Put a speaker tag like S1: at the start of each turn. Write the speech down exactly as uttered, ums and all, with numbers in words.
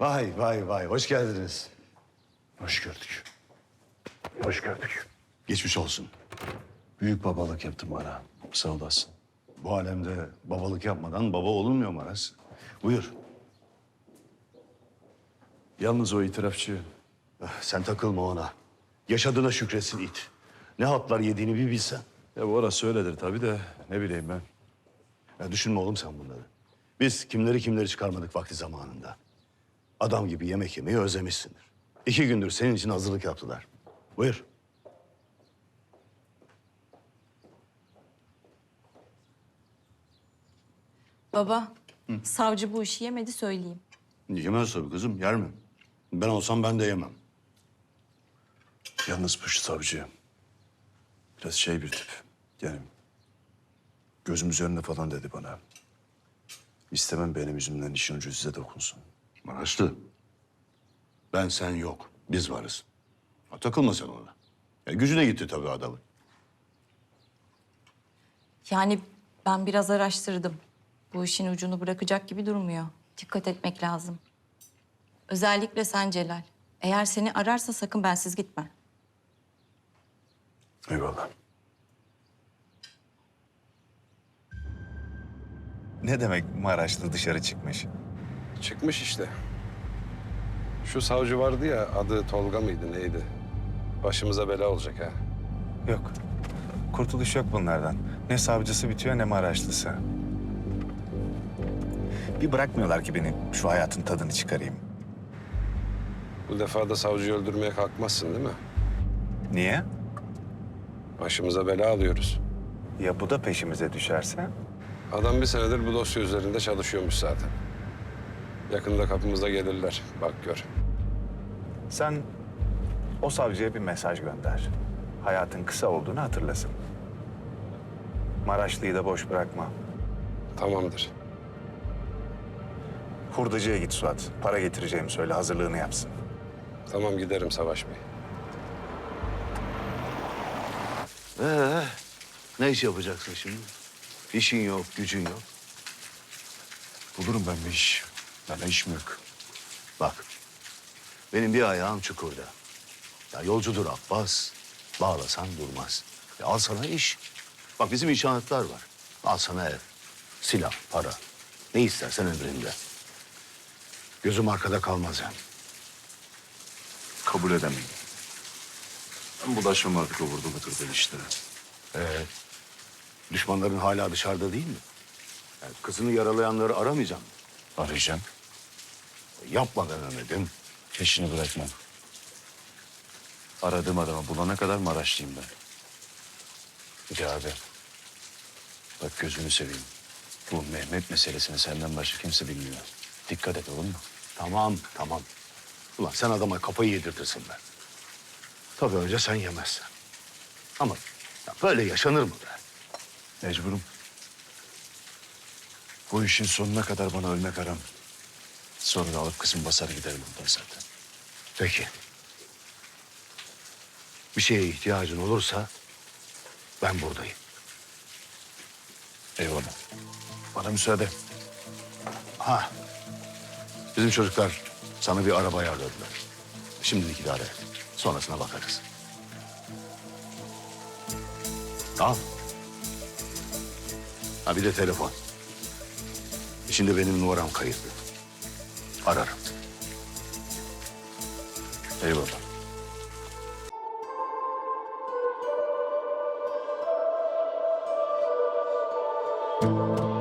S1: Vay vay vay, hoş geldiniz.
S2: Hoş gördük. Hoş gördük.
S1: Geçmiş olsun.
S2: Büyük babalık yaptım bana. Sağ olasın.
S1: Bu alemde babalık yapmadan baba olunmuyor Maras. Buyur.
S2: Yalnız o itirafçı
S1: Eh, Sen takılma ona. Yaşadığına şükretsin it. Ne hatlar yediğini bir bilsen.
S2: ya bu orası öyledir tabii de ne bileyim ben.
S1: Ya düşünme oğlum sen bunları. Biz kimleri kimleri çıkarmadık vakti zamanında. Adam gibi yemek yemeyi özlemişsindir. İki gündür senin için hazırlık yaptılar. Buyur.
S3: Baba, savcı bu işi yemedi söyleyeyim.
S1: Yemez tabii kızım, yer mi? Ben olsam ben de yemem.
S2: Yalnız bu savcı biraz şey bir tip. Yani gözüm üzerinde falan dedi bana. İstemem benim yüzümden işin ucu size dokunsun.
S1: Maraşlı. Ben sen yok. Biz varız. Ha, takılma sen ona. Ya, gücüne gitti tabii adamın.
S3: Yani ben biraz araştırdım. Bu işin ucunu bırakacak gibi durmuyor. Dikkat etmek lazım. Özellikle sen Celal. Eğer seni ararsa sakın bensiz gitme.
S2: Eyvallah.
S4: Ne demek Maraşlı dışarı çıkmış?
S5: Çıkmış işte. Şu savcı vardı ya, adı Tolga mıydı neydi? Başımıza bela olacak ha.
S4: Yok. Kurtuluş yok bunlardan. Ne savcısı bitiyor ne Maraşlısı. Bir bırakmıyorlar ki beni şu hayatın tadını çıkarayım.
S5: Bu defa da savcıyı öldürmeye kalkmazsın değil mi?
S4: Niye?
S5: Başımıza bela alıyoruz.
S4: Ya bu da peşimize düşerse?
S5: Adam bir senedir bu dosya üzerinde çalışıyormuş zaten. Yakında kapımıza gelirler, bak gör.
S4: Sen o savcıya bir mesaj gönder. Hayatın kısa olduğunu hatırlasın. Maraşlı'yı da boş bırakma.
S5: Tamamdır.
S4: Hurdacıya git Suat. Para getireceğimi söyle, hazırlığını yapsın.
S5: Tamam giderim Savaş Bey.
S1: Ee, ne iş yapacaksın şimdi? İşin yok, gücün yok.
S2: Bulurum ben bir iş. Bana iş mi yok?
S1: Bak, benim bir ayağım çukurda. Ya yolcudur Abbas, bağlasan durmaz. Ya al sana iş. Bak bizim inşaatlar var. Al sana ev, silah, para. Ne istersen emrinde. Gözüm arkada kalmaz yani.
S2: Kabul edemem. Ben bulaşmam artık o vurdu götürdüğün işlere.
S1: Ee, düşmanların hala dışarıda değil mi? Yani kızını yaralayanları aramayacağım.
S2: Arayacağım.
S1: Yapmadan Mehmet'im.
S2: Peşini bırakmam. Aradığım adamı bulana kadar Maraşlıyım ben. Hadi abi. Bak gözünü seveyim. Bu Mehmet meselesini senden başka kimse bilmiyor. Dikkat et olur mu?
S1: Tamam, tamam. Ulan sen adama kafayı yedirtirsin be. Tabii önce sen yemezsen. Ama ya böyle yaşanır mı be?
S2: Mecburum. Bu işin sonuna kadar bana ölmek haram. Sonra da alıp kızım basar giderim buradan zaten.
S1: Peki. Bir şeye ihtiyacın olursa ben buradayım.
S2: Eyvallah. Bana müsaade.
S1: Ha. Bizim çocuklar sana bir araba ayarladılar. Şimdilik idare et. Sonrasına bakarız. Al. Ha bir de telefon. İçinde benim numaram kayıtlı. Ararım.
S2: Eyvallah.
S3: Baba,